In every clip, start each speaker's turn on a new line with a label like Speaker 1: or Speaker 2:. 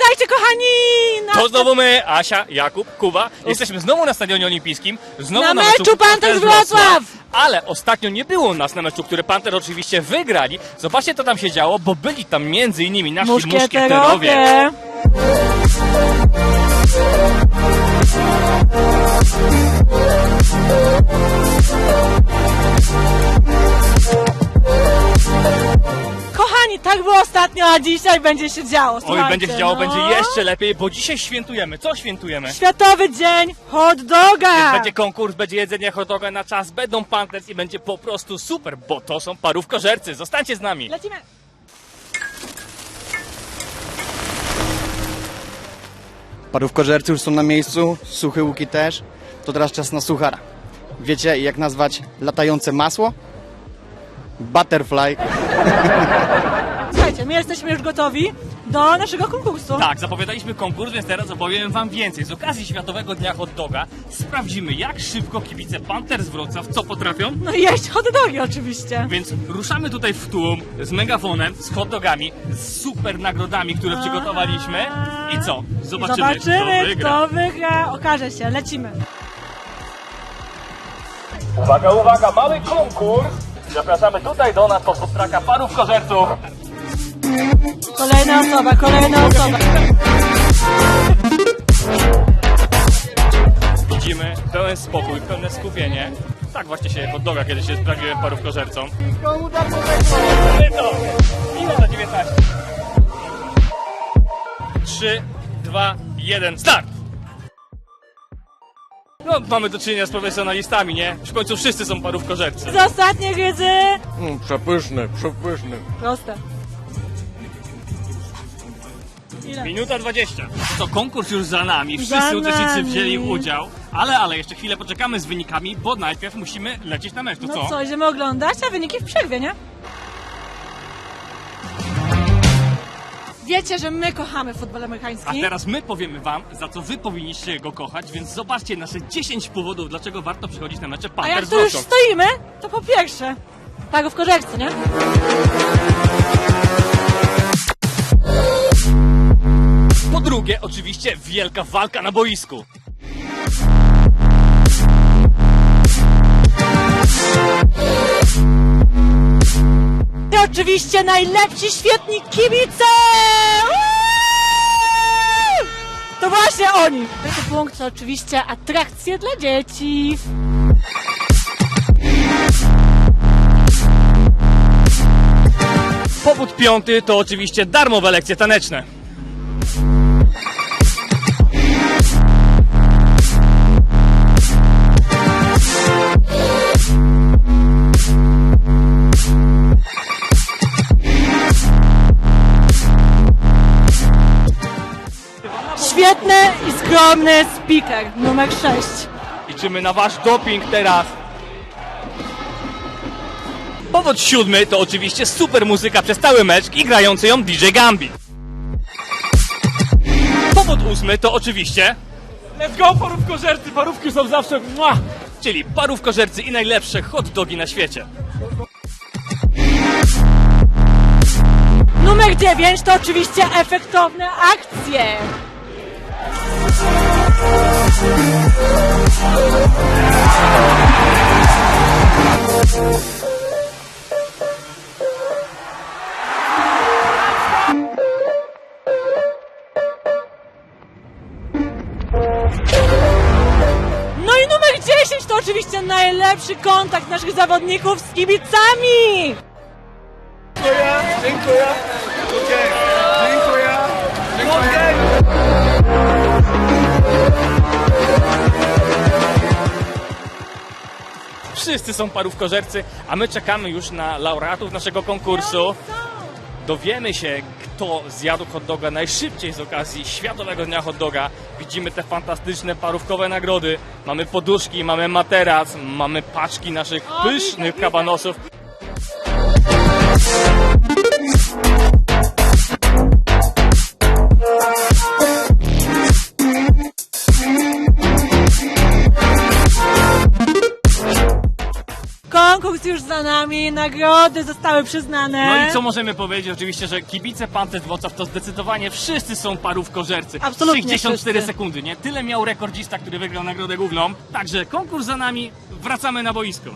Speaker 1: Witajcie, kochani!
Speaker 2: To znowu my, Asia, Jakub, Kuba. Jesteśmy znowu na Stadionie Olimpijskim. Znowu
Speaker 1: Na meczu Panthers Wrocław!
Speaker 2: Ale ostatnio nie było nas na meczu, który Panthers oczywiście wygrali. Zobaczcie, co tam się działo, bo byli tam m.in. nasi muszkieterowie.
Speaker 1: Kochani, tak było ostatnio, a dzisiaj będzie się działo.
Speaker 2: Oj,
Speaker 1: Słuchajcie,
Speaker 2: będzie się działo,
Speaker 1: no.
Speaker 2: będzie jeszcze lepiej, bo dzisiaj świętujemy. Co świętujemy?
Speaker 1: Światowy Dzień Hot Doga!
Speaker 2: Będzie konkurs, będzie jedzenie hot doga na czas, będą Panthers i będzie po prostu super, bo to są parówkożercy. Zostańcie z nami.
Speaker 1: Lecimy!
Speaker 3: Parówkożercy już są na miejscu, suche łuki też. To teraz czas na suchara. Wiecie, jak nazwać latające masło? Butterfly.
Speaker 1: Słuchajcie, my jesteśmy już gotowi do naszego konkursu.
Speaker 2: Tak, zapowiadaliśmy konkurs, więc teraz opowiem wam więcej. Z okazji Światowego Dnia Hot Doga sprawdzimy, jak szybko kibice Panthers Wrocław co potrafią.
Speaker 1: No i jeść hot dogi oczywiście.
Speaker 2: Więc ruszamy tutaj w tłum z megafonem, z hot dogami, z super nagrodami, które przygotowaliśmy. I co? Zobaczymy,
Speaker 1: kto wygra. Okaże się, lecimy.
Speaker 2: Uwaga, uwaga, mamy konkurs! Zapraszamy tutaj do nas pod traka parówkożerców.
Speaker 1: Kolejna osoba.
Speaker 2: Widzimy pełen spokój, pełne skupienie. Tak właśnie się hot doga kiedyś się sprawiłem parówkożercą. Minuta 19. 3, 2, 1, start! No, mamy do czynienia z profesjonalistami, nie? W końcu wszyscy są parówkożercy.
Speaker 1: Z ostatniej wiedzy.
Speaker 3: Przepyszny.
Speaker 1: Proste. Ile?
Speaker 2: Minuta 20. To konkurs już za nami,
Speaker 1: Za
Speaker 2: wszyscy uczestnicy
Speaker 1: nami.
Speaker 2: wzięli udział. Ale jeszcze chwilę poczekamy z wynikami, bo najpierw musimy lecieć na mecz. To
Speaker 1: No
Speaker 2: co?
Speaker 1: co, idziemy oglądać, a wyniki w przerwie, nie? Wiecie, że my kochamy futbol
Speaker 2: A
Speaker 1: amerykański.
Speaker 2: teraz my powiemy wam, za co wy powinniście go kochać, więc zobaczcie nasze 10 powodów, dlaczego warto przychodzić na mecze
Speaker 1: A jak
Speaker 2: Panthers
Speaker 1: tu już
Speaker 2: Wrocław.
Speaker 1: stoimy, to po pierwsze, parówkożercy, nie?
Speaker 2: Po drugie, oczywiście, wielka walka na boisku.
Speaker 1: I oczywiście najlepsi, świetni kibice! Uuu! To właśnie oni! Trzeci punkt to oczywiście atrakcje dla dzieci.
Speaker 2: Powód piąty to oczywiście darmowe lekcje taneczne.
Speaker 1: Świetny i skromny speaker numer 6.
Speaker 2: Liczymy na wasz doping teraz. Powód siódmy to oczywiście super muzyka przez cały mecz i grający ją DJ Gambi. Powód ósmy to oczywiście let's go parówkożercy, parówki są zawsze czyli parówkożercy i najlepsze hot dogi na świecie.
Speaker 1: Numer 9 to oczywiście efektowne akcje. No i numer 10 to oczywiście najlepszy kontakt naszych zawodników z kibicami.
Speaker 3: Dziękuję.
Speaker 2: Wszyscy są parówkożercy, a my czekamy już na laureatów naszego konkursu. Dowiemy się, kto zjadł hot doga najszybciej z okazji Światowego Dnia Hot Doga. Widzimy te fantastyczne parówkowe nagrody. Mamy poduszki, mamy materac, mamy paczki naszych pysznych kabanosów.
Speaker 1: Konkurs już za za nami, nagrody zostały przyznane.
Speaker 2: No i co możemy powiedzieć? Oczywiście, że kibice Panthers Wrocław to zdecydowanie wszyscy są parówkożercy.
Speaker 1: Absolutnie
Speaker 2: 64
Speaker 1: wszyscy.
Speaker 2: sekundy, nie? Tyle miał rekordzista, który wygrał nagrodę główną. Także konkurs za nami, wracamy na boisko.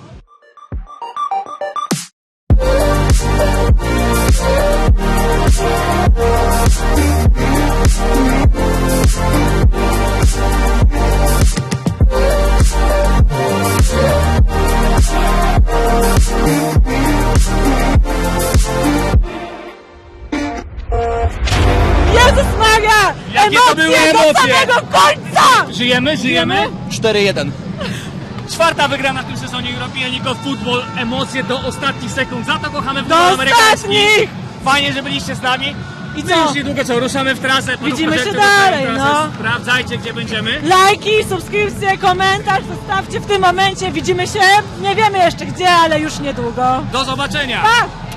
Speaker 1: Jezus Maria!
Speaker 2: Jakie to były
Speaker 1: do
Speaker 2: emocje!
Speaker 1: samego końca!
Speaker 2: Żyjemy?
Speaker 3: 4-1.
Speaker 2: Czwarta wygrana w tym sezonie European League of Football. Emocje do ostatnich sekund. Za to kochamy
Speaker 1: Do
Speaker 2: futbol amerykański.
Speaker 1: ostatnich!
Speaker 2: Fajnie, że byliście z nami.
Speaker 1: I
Speaker 2: My
Speaker 1: co?
Speaker 2: już niedługo ruszamy w trasę.
Speaker 1: Widzimy się
Speaker 2: Parówkożercy ruszają w
Speaker 1: dalej,
Speaker 2: trasę.
Speaker 1: no.
Speaker 2: Sprawdzajcie, gdzie będziemy.
Speaker 1: Lajki, subskrypcje, komentarz zostawcie w tym momencie. Widzimy się, nie wiemy jeszcze gdzie, ale już niedługo.
Speaker 2: Do zobaczenia.
Speaker 1: Pa!